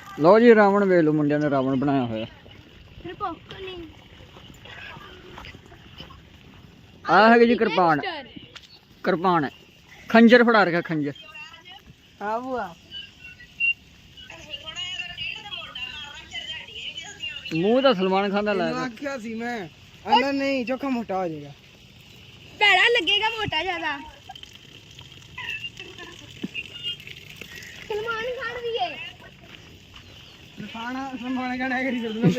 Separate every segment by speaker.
Speaker 1: ਲਓ ਜੀ ਰਾਵਣ ਵੇਖ ਲਓ, ਮੁੰਡਿਆਂ ਨੇ ਰਾਵਣ ਬਣਾਇਆ ਹੋਇਆ। ਆ ਹੈਗੀ ਜੀ ਕਿਰਪਾਨ, ਕਿਰਪਾਨ ਹੈ, ਖੰਜਰ ਫੜਾ ਰੱਖਿਆ, ਖੰਜਰ।
Speaker 2: ਹਾਂ ਬੂਆ
Speaker 1: ਮੂੰਹ ਤਾਂ ਸਲਮਾਨ ਖਾਨ ਦਾ ਲਾਇਆ।
Speaker 2: ਆਖਿਆ ਸੀ ਮੈਂ ਆਂਦਾ ਨਹੀਂ ਚੋਖਾ ਮੋਟਾ ਹੋ ਜਾਏਗਾ,
Speaker 3: ਭੈੜਾ ਲੱਗੇਗਾ ਮੋਟਾ ਜ਼ਿਆਦਾ। ਸਲਮਾਨ ਖਾਨ ਵੀ ਹੈ।
Speaker 2: ਸਲਮਾਨ ਖਾਨ ਐ ਕਰੀ ਚੱਲਦਾ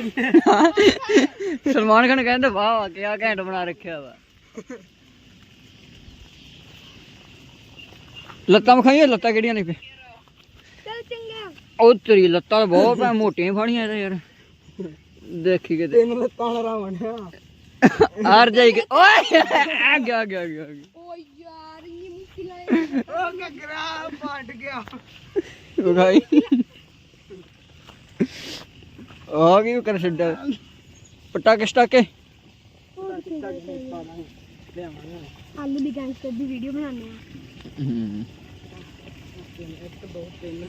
Speaker 1: ਸਲਮਾਨ ਖਾਨ ਕਹਿੰਦਾ ਵਾਹ ਵਾਹ ਕਿਆ ਘੈਂਟ ਬਣਾ ਰੱਖਿਆ ਵਾ। ਲੱਤਾਂ ਵਿਖਾਈਏ, ਲੱਤਾਂ ਕਿਹੜੀਆਂ ਨੇ?
Speaker 3: ਚੱਲ ਚੰਗਾ।
Speaker 1: ਉਹ ਤੇਰੀ ਲੱਤਾਂ ਤਾਂ ਬਹੁਤ ਭੈ ਮੋਟੀਆਂ ਫਾੜੀਆਂ ਇਹਦਾ ਯਾਰ, ਦੇਖੀ ਕਿਤੇ।
Speaker 2: ਤਿੰਨ ਲੱਤਾਂ ਵਾਲਾ ਰਾਵਣ
Speaker 1: ਹਾਰ ਜਾਏਗੀ। ਓਏ ਆ ਗਿਆ ਆ ਗਿਆ ਆ ਗਿਆ।
Speaker 3: ਓ ਯਾਰ ਇਹ ਮੁਸ਼ਕਿਲ ਹੈ।
Speaker 2: ਉਹ ਘਗਰਾ ਫਟ ਗਿਆ।
Speaker 1: ਵਿਖਾਈ ਆ ਕੀ ਕਰ ਛੱਡਿਆ ਪਟਾਕੇ ਸਟਾਕੇ।
Speaker 3: ਆਲੂ ਦੀ ਗੈਂਗਸਟਰ ਦੀ ਵੀਡੀਓ ਬਣਾਉਂਦੇ ਆ।
Speaker 2: ਇੱਕ ਦੋ ਤਿੰਨ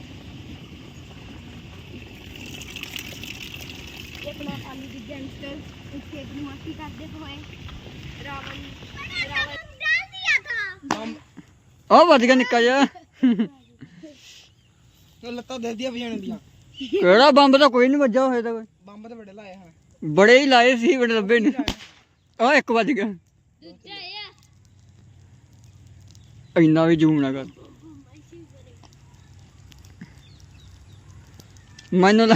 Speaker 3: अपना आलू की गैंगस्टर इसके अपनी मस्ती करते हुए रावण डाल दिया था।
Speaker 1: ਉਹ ਵੱਜ ਗਿਆ ਨਿੱਕਾ ਜਿਹਾ।
Speaker 2: ਉਹ ਲੱਤਾਂ ਦੇਦੀਆਂ ਵਜਾਣ ਦੀਆਂ।
Speaker 1: ਕਿਹੜਾ ਬੰਬ ਤਾਂ ਕੋਈ ਨਹੀਂ ਵੱਜਾ ਹੋਇਆ ਤਾਂ ਕੋਈ।
Speaker 2: ਬੰਬ ਤਾਂ ਬੜੇ ਲਾਏ ਹਨ।
Speaker 1: ਬੜੇ ਹੀ ਲਾਏ ਸੀ, ਬੜੇ ਲੱਭੇ ਨੇ। ਆ ਇੱਕ ਵੱਜ ਗਿਆ। ਇੰਨਾ ਵੀ ਜ਼ੂਮ ਨਾ ਕਰ। ਮੈਨੂੰ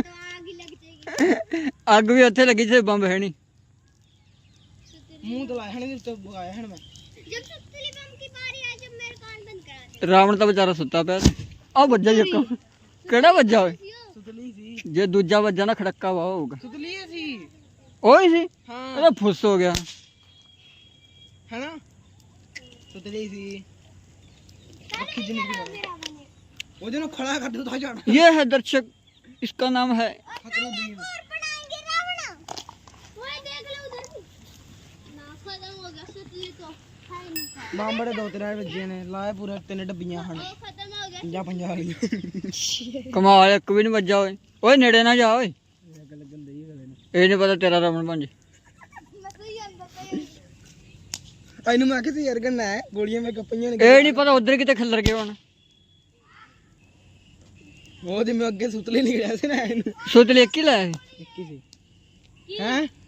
Speaker 1: ਅੱਗ ਵੀ ਉੱਥੇ ਲੱਗੀ ਜਿੱਥੇ ਬੰਬ ਹੈ ਨਹੀਂ।
Speaker 2: ਮੂੰਹ ਤੇ ਲਾਏ ਹਨ, ਇਸ ਤੋਂ ਬਗਾਇਆ ਹਨ ਮੈਂ।
Speaker 3: जब सुतली बम की बारी आई जब मेरे कान बंद करा दे।
Speaker 1: ਰਾਵਣ ਤਾਂ ਵਿਚਾਰਾ ਸੁੱਤਾ ਪਿਆ। ਆ ਵੱਜਾ ਇੱਕ। ਕਿਹੜਾ ਵੱਜਾ ਓਏ?
Speaker 2: ਸੁਤਲੀ ਸੀ।
Speaker 1: ਜੇ ਦੂਜਾ ਵੱਜਾ ਨਾ ਖੜੱਕਾ ਵਾ ਹੋਊਗਾ।
Speaker 2: ਸੁਤਲੀ ਸੀ।
Speaker 1: ਓਏ ਸੀ
Speaker 2: ਹਾਂ
Speaker 1: ਇਹਦਾ ਫੁੱਸ ਹੋ ਗਿਆ
Speaker 2: ਹੈਨਾ, ਸੁਤਲੀ ਸੀ। ਅੱਖੀ ਜਿੰਨੀ ਉਹਦੇ ਨੂੰ ਖੜਾ ਕਰ ਦੋ ਤਾਂ ਜਾਣ।
Speaker 1: ये है दर्शक, इसका नाम है
Speaker 2: फखरुद्दीन।
Speaker 3: और बनाएंगे रावण। वो देख लो उधर भी ना खत्म हो गया सुतली तो है नहीं था।
Speaker 2: ਬੰਬ ਬੜੇ ਦੋ ਤਿੰਨ ਵੱਜੇ ਨੇ, ਲਾਏ ਪੂਰੇ ਤਿੰਨ ਡੱਬੀਆਂ ਹਨ।
Speaker 3: वो खत्म हो गया।
Speaker 2: 50 ਵਾਲੀਆਂ।
Speaker 1: कमाल, एक भी नहीं ਵੱਜਾ ਓਏ। ਓਏ ਨੇੜੇ ਨਾ ਜਾ ਓਏ,
Speaker 2: ਅੱਗ ਲੱਗਣ ਦੇ ਗਲੇ ਨੂੰ।
Speaker 1: ਇਹ ਨਹੀਂ ਪਤਾ ਤੇਰਾ ਰਾਵਣ ਬਣ ਜੇ।
Speaker 3: मैं तो ये अंदर तो
Speaker 2: ਇਹਨੂੰ ਮੈਂ ਕਿਹਾ ਸੀ ਯਾਰ ਗੰਨਾ ਹੈ, ਗੋਲੀਆਂ ਮੈਂ ਕੱਪੀਆਂ ਨੇ।
Speaker 1: ਇਹ ਨਹੀਂ ਪਤਾ ਉਧਰ ਕਿਤੇ ਖਿੱਲਰ ਗਏ ਹੁਣ।
Speaker 2: ਉਹਦੇ ਮੈਂ ਅੱਗੇ ਸੁਤਲੇ ਨਿਕਲਿਆ ਸੀ ਨਾ ਇਹਨੂੰ।
Speaker 1: ਸੁੱਤ ਲੈ ਕੇ ਲਾਇਆ ਸੀ।
Speaker 2: ਇੱਕ ਹੀ ਸੀ। ਹੈਂ